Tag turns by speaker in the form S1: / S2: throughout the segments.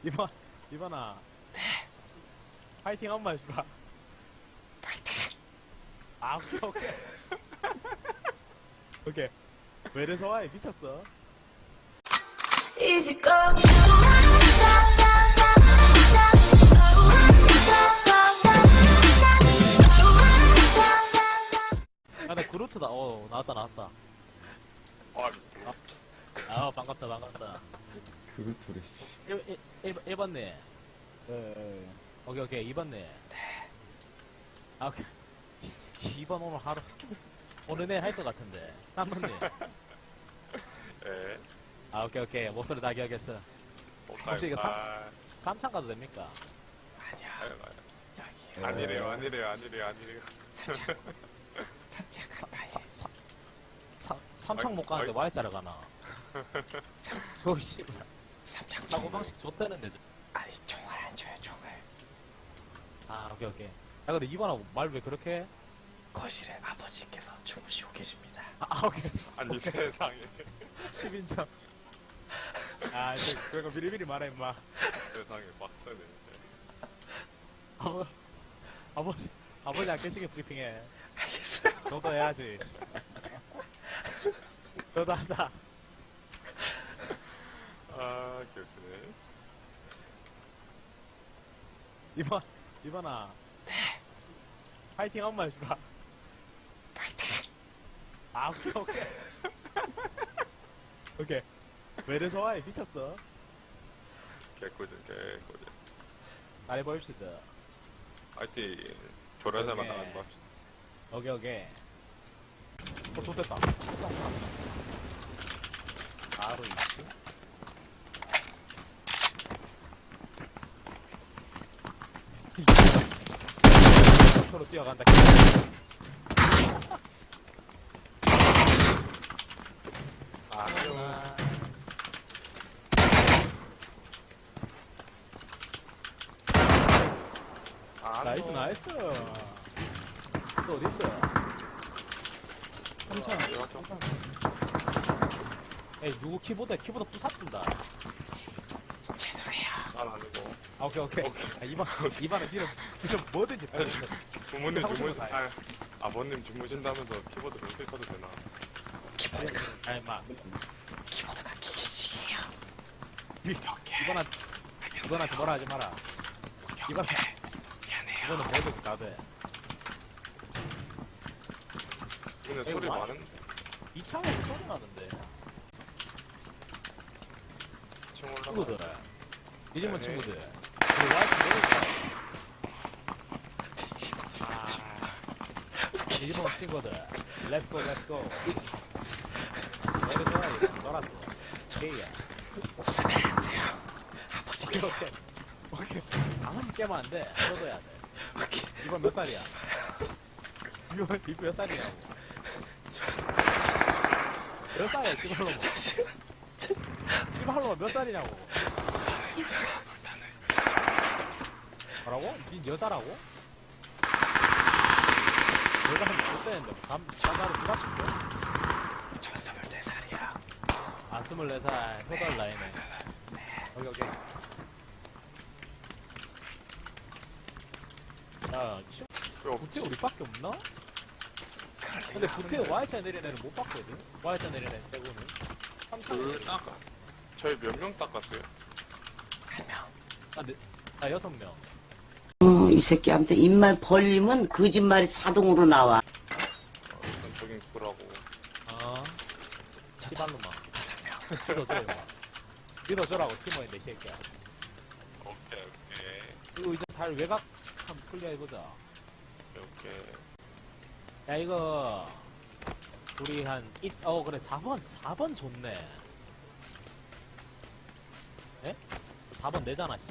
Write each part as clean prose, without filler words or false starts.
S1: 이번아. 네. 파이팅 한 번 해주라.
S2: 파이팅.
S1: 아, 오케이. 오케이. 왜 이래서 와? 미쳤어.
S3: Easy go.
S1: 아, 나 그루트다. 나왔다. 반갑다.
S2: 그루트래 씨.
S1: 1번네.
S4: 네.
S1: 오케이. 2번네. 네. 아, 오케이. 2번 오늘 하루. 오늘 내 할 것 같은데. 3번네.
S5: 예.
S1: 아, 오케이. 목소리 다 기억했어. 혹시 이거 3창 가도 됩니까?
S5: 아니래요.
S1: 삼창 못 가는데 Y자를 가나? 저 씨발. 사고방식 줬다는데.
S2: 아니 총알 안 줘요 총알.
S1: 아, 오케이. 야, 근데 이번하고 말 왜 그렇게 해?
S2: 거실에 아버지께서 주무시고 계십니다.
S1: 아, 오케이.
S5: 아니 세상에
S1: 10인정. 아, 이제 그거 미리미리 말해, 임마.
S5: 세상에 빡세네.
S1: 아버지 안 계시게 브리핑해.
S2: 알겠어요.
S1: 너도 해야지. 너도 하자.
S5: 아 기억하네.
S1: 이번아. 네. 파이팅 한 번 해주라.
S2: 파이팅.
S1: 아, 오케이. 오케이. 왜 이래서 와? 미쳤어.
S5: 개꿀잼.
S1: 말해봅시다.
S5: 하여튼 조련사만
S1: 오케이.
S5: 나가는 거 합시다.
S1: 오케이. 좋됐다. 바로 있지. 서로 뛰어간다. 나이스. 또 어딨어? 3천. 에이, 누구 키보드 부사준다.
S2: 죄송해요.
S5: 난 아니고.
S1: 아, 오케이. 아, 이번에 니는 뭐든지 다 해.
S5: 부모님
S1: 하고 싶은
S5: 주무신.
S1: 거 다 해.
S5: 아버님 주무신다면서 키보드 좀 켜도 되나?
S2: 키보드가
S1: 아니, 마.
S2: 키보드가 기계식이에요.
S1: 이번한테 뭐라 하지 마라.
S2: 미안해요.
S1: 이거는 뭐든 다 돼.
S5: 근데
S1: 에이,
S5: 소리
S1: 와.
S5: 많은
S1: 이 창에서 소리 나는데.
S5: 층 올라가.
S1: 친구들. 이집은
S5: 네.
S1: 친구들. 우리 와이프 내릴까? 이집은 친구들. 렛츠고. 내려줘야 놀았어. 게이야.
S2: 웃으면 안 돼요. 아버지께.
S1: 오케이. 아무리 깨면 안 돼. 풀어줘야 돼.
S2: 오케이.
S1: 이번 몇 살이야? 이번 몇 살이냐고. 몇 살이야, 씨발로만. 씨발로만 몇 살이냐고. 뭐라고? 니 여자라고? 여자는 못 되는데, 나를 누가 칠게?
S2: 저 24살이야.
S1: 아, 24살, 효달 나이네. 오케이. 야, 부태 우리밖에 없나? 근데 부태 Y자 내리는 애는 못 봤거든? Y자 내리는 애 빼고는.
S5: 둘 닦아. 저희 몇 명 닦았어요?
S2: 한 명.
S1: 나 6명.
S6: 이 새끼한테 입만 벌리면 거짓말이 자동으로 나와.
S5: 일단 저긴 그거라고.
S1: 시발로만.
S2: 5명.
S1: 믿어줘, 이거. 믿어줘라고, 팀원인데, 이 새끼야.
S5: 오케이.
S1: 이거 이제 잘 외곽 한번 클리어해보자.
S5: 오케이.
S1: 야, 이거, 우리 그래, 4번 좋네. 에? 4번 내잖아, 씨발.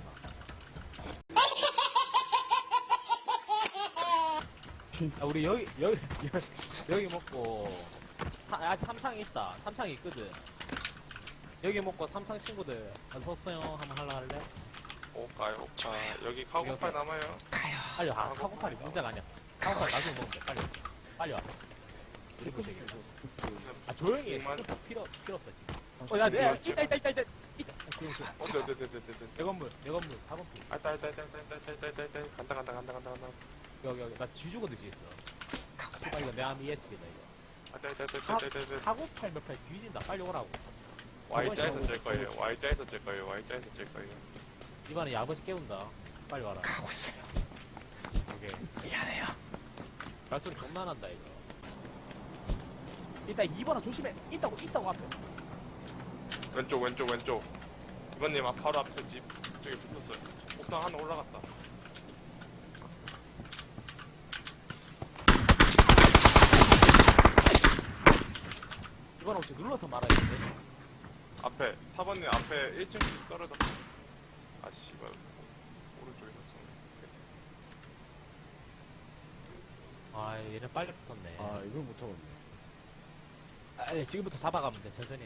S1: 아, 우리 여기 먹고, 아직 3창이 있다. 3창이 있거든. 여기 먹고 3창 친구들, 섰어요. 한번 할라 할래?
S5: 가요. 여기 카고팔 남아요.
S2: 가요.
S1: 빨리 와. 카고팔이 문제가 아니야. 카고팔 나중에 먹으면 돼. 빨리 와. 조용히 해. 필요 없어. 야, 있다. 내 건물 4번핑.
S5: 알다. 간다.
S1: 여기 나 쥐죽어 듯이 있어. 씨발 이거 내 암 ESP다 이거.
S5: 알다.
S1: 하고 8몇8 뒤진다. 빨리 오라고.
S5: Y자에서 찔 거예요. Y자에서 찔 거예요.
S1: 이번에 야버지 깨운다. 빨리 와라.
S2: 가고 있어요.
S1: 오케이.
S2: 미안해요.
S1: 발소리 존나 난다 이거. 일단 2번은 조심해. 있다고 앞에.
S5: 왼쪽. 이번님 바로 앞에 집 저기 붙었어요. 옥상 하나 올라갔다.
S1: 이번 혹시 눌러서 말아야겠는데.
S5: 앞에 4번님 앞에 1층 떨어졌다. 아 씨발 오른쪽에 있었어.
S1: 아 얘네 빨리 붙었네.
S4: 아, 이걸 못 잡았네.
S1: 예, 지금부터 잡아가면 돼. 천천히.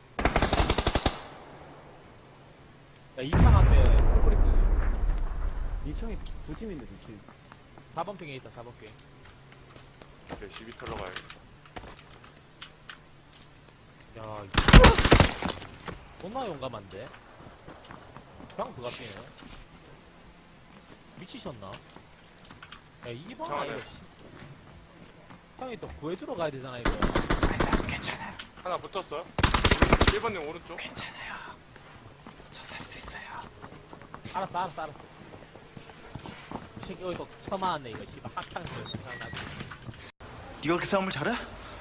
S1: 야 2창 앞에 콜브리크.
S4: 2층이 두 팀인데, 두 팀.
S1: 4번 핑에 있다. 4번 핑.
S5: 오케이 시비 털러 가야겠다.
S1: 야 존나 용감한데. 그냥 그가 뛰네. 미치셨나? 야 2번
S5: 저
S1: 이거
S5: 안에.
S1: 씨. 형이 또 구해주러 가야 되잖아 이거.
S2: 아니, 괜찮아요.
S5: 하나 붙었어요? 1번님 오른쪽.
S2: 괜찮아요. 저 살 수 있어요.
S1: 알았어. 이 새끼 여기 또 처마왔네 이거 씨발 학창시절 생각나지.
S3: 네가 그렇게 싸움을 잘해?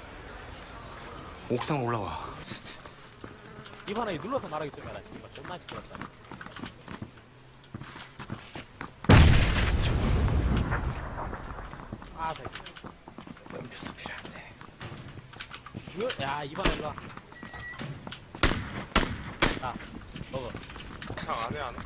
S3: 옥상 올라와.
S1: 이번에 눌러서 말하기 좀 해라 씨발 존나 시끄럽다. 아 새끼.
S2: 음료수 필요한데.
S1: 야 이번에 일로와. 자 먹어.
S5: 옥상 안에 하나.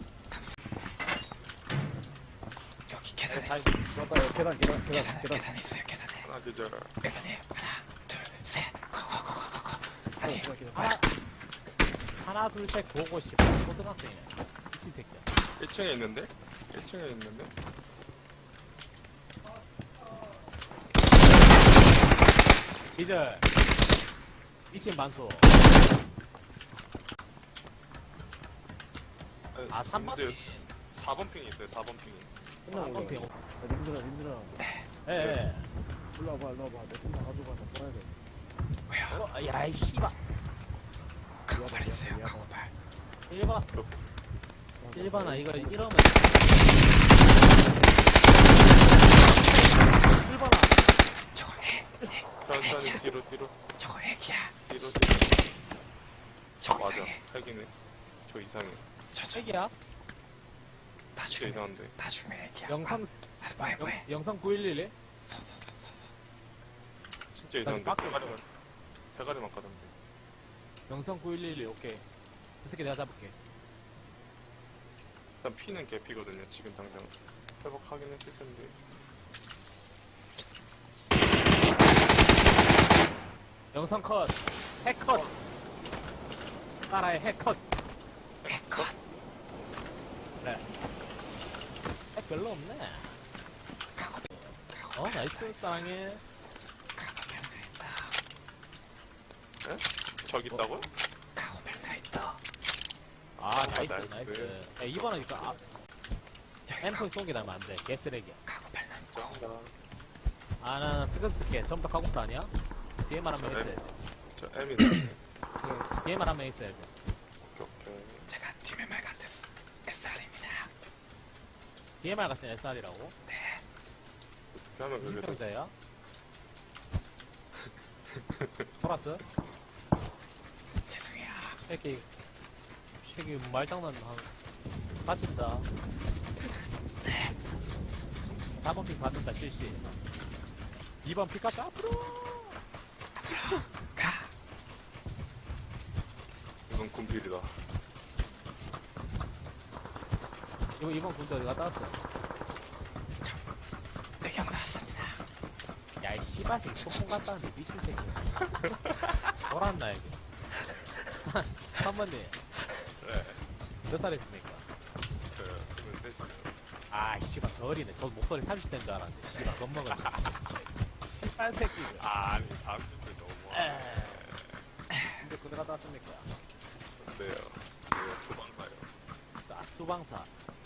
S2: 여기
S1: 내
S2: 계단에
S1: 살.
S2: 있어요.
S4: 맞다, 계단.
S2: 계단에 있어요. 계단에.
S5: 하나 계절.
S2: 일반님 하나, 둘, 셋. 고고고고고. 아니,
S1: 하나 둘 셋 보고 씨발 고등학생이네. 미친 새끼야.
S5: 1층에 있는데? 1층에 있는데?
S1: 기절. 미친 반소. 아, 3번 핑.
S5: 4번 핑이 있어요. 4번 핑이.
S4: 끝나고
S1: 한번 핑.
S4: 올라가. 야, 님들아.
S1: 예.
S4: 일로 와봐. 내손 다 가져가. 나 떠나야 돼.
S2: 왜요?
S1: 어, 야, 이 씨발.
S2: 카고팔 있어요. 카고팔.
S1: 1번. 1번아, 이거 이러면. 1번아.
S2: 저거 핵.
S5: 천천히 뒤로.
S2: 저거 핵이야.
S5: 뒤로.
S2: 저거
S5: 맞아.
S2: 이상해.
S5: 핵이네. 저 이상해.
S2: 저
S1: 책이야?
S5: 진짜
S2: 나중에
S5: 이상한데.
S2: 나중에 핵이야.
S1: 영상,
S2: 뭐해.
S1: 영상 911에?
S5: 진짜 이상한데.
S1: 빡-
S5: 대가리만 까던데.
S1: 영상 9111, 오케이. 저 새끼 내가 잡을게.
S5: 일단 피는 개피거든요. 지금 당장 회복하긴 했을 텐데.
S1: 영상 컷. 핵 컷. 따라해, 핵 컷.
S2: 핵컷.
S1: 그래. 핵 별로 없네. 어, 나이스, 사랑해.
S2: 카고팔 다 있다.
S5: 저기 있다고요?
S2: 카고팔 다 있다.
S1: 아, 나이스,
S5: 나이스.
S1: 나이스. 야, 이번하니까, 아,
S2: 여기
S1: 엠포인 쏘기 나면 안 돼. 개쓰레기야.
S2: 카고팔 나 있고.
S5: 짱다.
S1: 아, 나 스크스게 전부 다 가고프 아니야? 뒤에만 한 명 있어야 돼.
S5: 저 M이네.
S1: 뒤에만 한 명 있어야 돼.
S5: 오케이.
S2: 제가 뒷매말 같은 SR입니다.
S1: DMR 같은 SR이라고?
S2: 네.
S5: 어떻게 하면
S1: 무슨
S5: 그게 되지?
S1: 병자야? 돌았어?
S2: 죄송해요.
S1: 새끼 말장난 빠진다. 4번 픽 받는다 실시. 2번 픽까지 앞으로.
S2: 가.
S5: 이건 군필이다.
S1: 이거 2번 군대 어디 갔다 왔어?
S2: 의견 나왔습니다.
S1: 야, 이 씨발새끼 소풍 갔다 왔는데 미친 새끼. 돌았나 여기. 3번님
S5: 네.
S1: 몇 살이십니까?
S5: 저요. 23이요.
S1: 아 씨발 더 어리네. 저 목소리 30대인 줄 알았는데 씨발 겁먹었네. 씨발 새끼.
S5: 아니 30대 너무.
S1: 근데 군대 갔다 왔습니까?
S5: 네요. 아니고요. 수방사요.
S1: 수방사.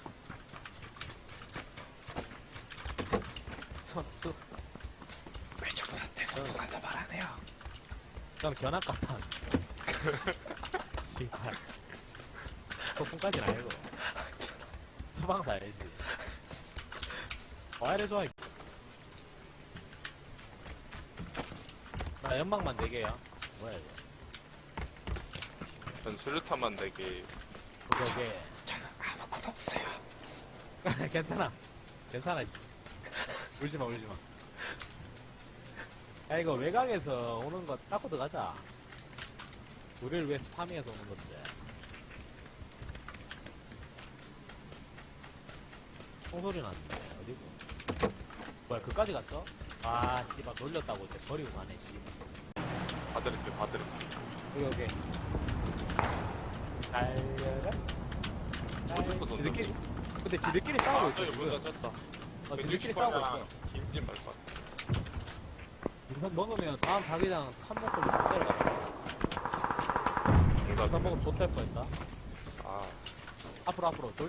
S1: 선수.
S2: 왜 저분한테 성공한다 말 안 해요?
S1: 전 견학 같아. 씨발. 소풍까지는 아니고. 수방사 알지. 와 이래 좋아. 나 연막만 4개야. 뭐야 이거.
S5: 전 수류탄만 4개.
S1: 오케이.
S2: 저는 아무것도 없어요.
S1: 괜찮아. 괜찮아. 씨. 울지마 울지마. 야 이거 외곽에서 오는 거 닦고 들어가자. 우리를 위해서 파밍해서 오는 건데. 총소리 났는데 어디고? 뭐야 그까지 갔어? 아 씨발 놀렸다고 이제 버리고 가네 씨발.
S5: 봐드릴게.
S1: 여기 달려라.
S5: 어디서
S1: 지들끼리.
S5: 던졌니?
S1: 근데 지들끼리 싸우고 있어.
S5: 저기
S1: 지금.
S5: 문 닫혔다.
S1: 지들끼리 싸우고 있어.
S5: 김진 말것 같아.
S1: 우선 먹으면 다음 자기장 참먹고 못 때려가. 우선 먹으면 좋될 뻔했다.
S5: 아,
S1: 앞으로 돌.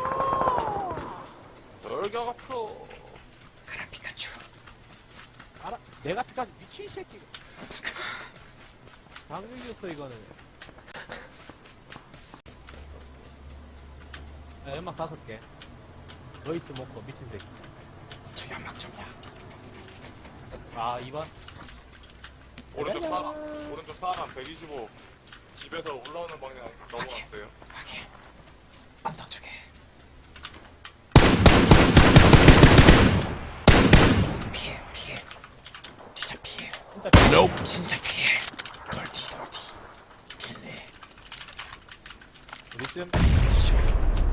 S5: 돌격 앞으로.
S2: 가라 피카츄.
S1: 알아? 내가 피까지 미친 새끼가. 방금 이겼어 이거는. 야, 연막 5개. 너이스 먹고 미친 새끼.
S2: 저 연막 좀요.
S1: 아 2번.
S5: 오른쪽 사람 125. 집에서 올라오는 방향 넘어갔어요.
S2: 확인. 언덕 쪽에. 피해. 진짜 피해.
S1: 진짜
S2: 진짜 피해. 돌디. 길래.
S1: 우리쯤.
S2: 조심해.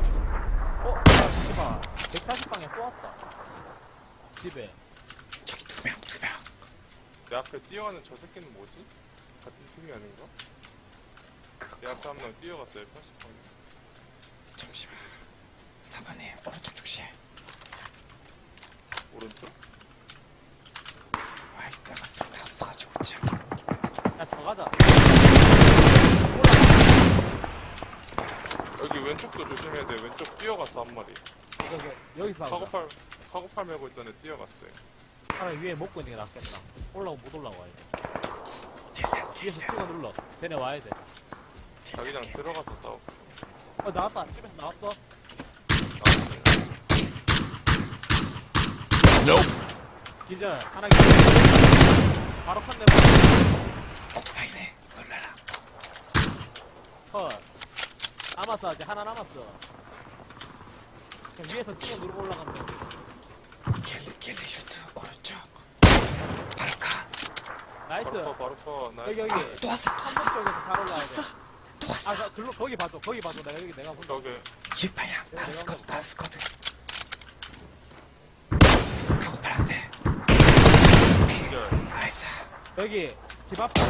S1: 씨발 140방에 또 왔다. 집에.
S2: 저기 2명.
S5: 내 앞에 뛰어가는 저 새끼는 뭐지? 같은 팀이 아닌가? 내 앞에 한 명 뛰어갔어요. 80방에.
S2: 잠시만. 4번에 오른쪽 조심.
S5: 오른쪽?
S2: 와 이따가 다 없어가지고 참.
S1: 야 저 가자.
S5: 여기 왼쪽도 조심해야 돼. 왼쪽 뛰어갔어 한 마리.
S1: 여기서 싸우자.
S5: 카고팔 메고 있던 애 뛰어갔어요.
S1: 차라리 위에 먹고 있는 게 낫겠다. 올라오고 못 올라와야 돼. 위에서 찍어 눌러. 쟤네 와야 돼.
S5: 자기장 들어가서 싸워.
S1: 나왔다. 집에서 나왔어. 기절. 하나 기절. 바로 컷 내봐.
S2: 오토바이네. 놀라라.
S1: 컷. 남았어. 아직 하나 남았어. 그냥 위에서 찍어 누르고 올라가면 돼.
S2: 길리 슈트 오른쪽. 바로 가.
S1: 나이스.
S5: 바로 커. 나
S1: 여기.
S2: 또 왔어.
S1: 쪽에서 잘 올라와야 돼.
S2: 또 왔어.
S1: 아, 글로 거기 봐줘. 내가 본다.
S5: 저기
S2: 길방향. 다른 스쿼드. 카고팔 안 돼.
S5: 연결.
S2: 나이스.
S1: 여기 집 앞.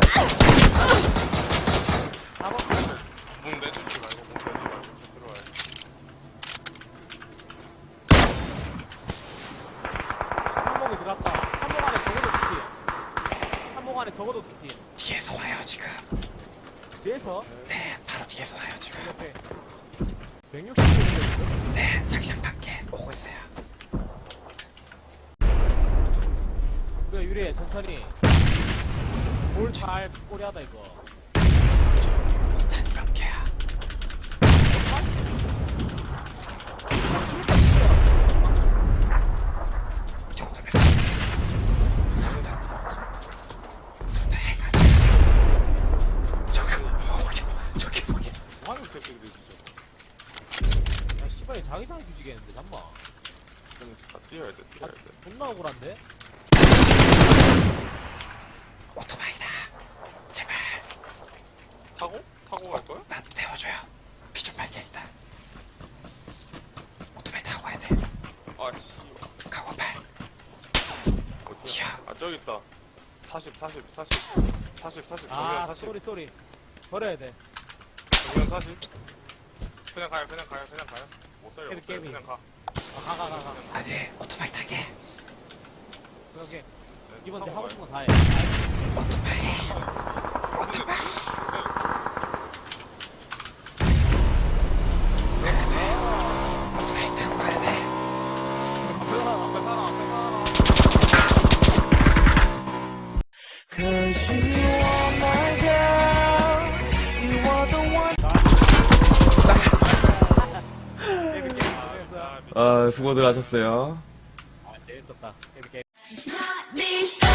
S1: 4번.
S5: 문 내주지 말고 들어와야 돼.
S1: 한목이 들어갔다. 한목 안에 적어도 두 팀. 한목 안에 적어도 두 팀.
S2: 뒤에서 와요 지금.
S1: 뒤에서
S2: 네, 바로 뒤에서 와요 지금.
S1: 옆에 160km 있어.
S2: 네, 자기장 밖에 오고 있어요.
S1: 그래 유리해 천천히. 볼잘 꼬리하다 이거.
S2: 못한 몇 개야. 이 정도면 손다 해가. 저기 보기.
S5: 뭐 하는 새끼들이지 저거.
S1: 야 씨발 자기장 뒤지겠는데 잠만.
S5: 다 뛰어야 돼.
S1: 존나 억울한데?
S2: 오토바이다. 제발.
S5: 타고 갈 거야?
S2: 나 태워줘요. 피 좀 빨게 일단. 오토바이 타고 가야 돼.
S5: 아씨.
S2: 카고팔.
S5: 어디야? 아 저기 있다. 40 정면
S1: 아
S5: 40
S1: 쏘리 버려야 돼.
S5: 정면 40 그냥 가요 못 살려
S1: 게임.
S5: 그냥 가.
S1: 가.
S2: 아니 오토바이 타게.
S1: 그렇게
S5: 네,
S1: 이번 대
S5: 타고
S1: 하고
S5: 가요.
S1: 싶은 거 다 해.
S2: 오토바이.
S1: 수고했어.
S2: 수고들 하셨어요.
S1: 아, 재밌었다. 이렇게.
S7: These